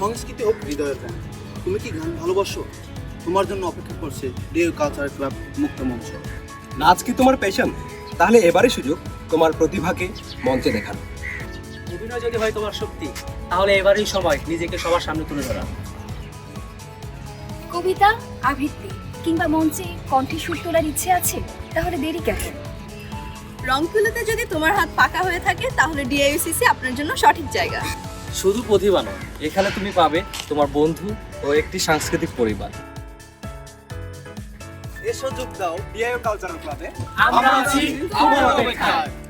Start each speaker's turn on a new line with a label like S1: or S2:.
S1: সংস্কৃতি হোক হৃদয়ের গান। তুমি কি গান ভালোবাসো? তোমার জন্য অপেক্ষা করছে ডিএইউ কালচারাল ক্লাব মুক্ত মঞ্চ।
S2: নাচ কি তোমার প্যাশন? তাহলে এবারই সুযোগ তোমার প্রতিভাকে মঞ্চে দেখানো।
S3: অভিনয় যদি হয় তোমার শক্তি, তাহলে এবারই সময় নিজেকে সবার সামনে তুলে ধরা।
S4: কবিতা, আবৃত্তি কিংবা মঞ্চে কণ্ঠে সুর তোলার ইচ্ছে আছে? তাহলে দেরি কেন?
S5: রংতুলিতে যদি তোমার হাত পাকা হয়ে থাকে, তাহলে ডিআইইউসিসি আপনার জন্য সঠিক জায়গা।
S3: শুধু প্রতিভা নয়, এখানে তুমি পাবে তোমার বন্ধু ও একটি সাংস্কৃতিক পরিবার।
S1: এসো যোগ দাও ডিএইউ কালচারাল ক্লাবে।
S3: আমরা আছি তোমার অপেক্ষায়।